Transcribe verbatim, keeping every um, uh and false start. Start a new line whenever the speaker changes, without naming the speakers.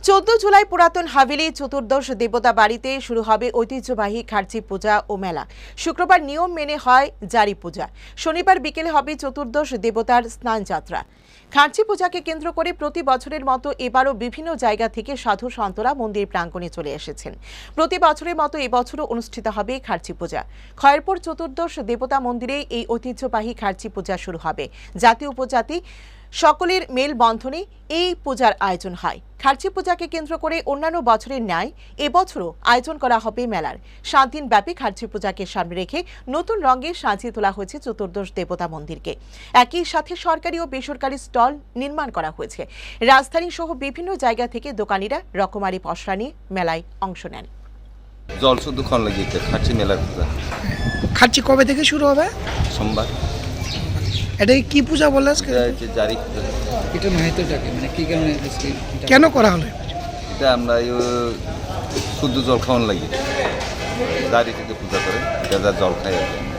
চোদ্দ জুলাই পুরাতন হাভেলি চতুর্দশ দেবতা বাড়িতে শুরু হবে ঐতিহ্যবাহী খার্চি পূজা ও মেলা। শুক্রবার নিয়ম মেনে হয় জারি পূজা। শনিবার বিকেলে হবে চতুর্দশ দেবতার স্নান যাত্রা। খার্চি পূজাকে কেন্দ্র করে প্রতি বছরের মতো এবারও বিভিন্ন জায়গা থেকে সাধু সন্তরা মন্দির প্রাঙ্গণে চলে এসেছেন। প্রতি বছরের মতো এবছরও অনুষ্ঠিত হবে খার্চি পূজা। খয়েরপুর চতুর্দশ দেবতা মন্দিরে এই ঐতিহ্যবাহী খার্চি পূজা শুরু হবে। জাতি উপজাতি সকলের মেলবন্ধনে এই পূজার আয়োজন হয়। খার্চি পূজাকে কেন্দ্র করে অন্যান্য বছরের ন্যায় এবছরও আয়োজন করা হবে মেলার। সাত দিন ব্যাপী খার্চি পূজাকে সামনে রেখে নতুন রঙে সাজিয়ে তোলা হয়েছে চতুর্দশ দেবতা মন্দিরকে। একই সাথে সরকারি ও বেসরকারি স্টল নির্মাণ করা হয়েছে। রাজধানী সহ বিভিন্ন জায়গা থেকে দোকানিরা রকমারি পসরা নিয়ে মেলায় অংশ নেন।
জল শুধু খন লাগিয়েছে খার্চি মেলার পূজা।
খার্চি কবে থেকে শুরু হবে?
সোমবার।
এটা কি পূজা বললে?
জারি পূজা।
এটা মাহিতটাকে মানে কি কারণে
কেন করা হলো?
এটা আমরা শুদ্ধ জল খাওয়ান লাগি, জারি থেকে পূজা করে এটা জল খাই।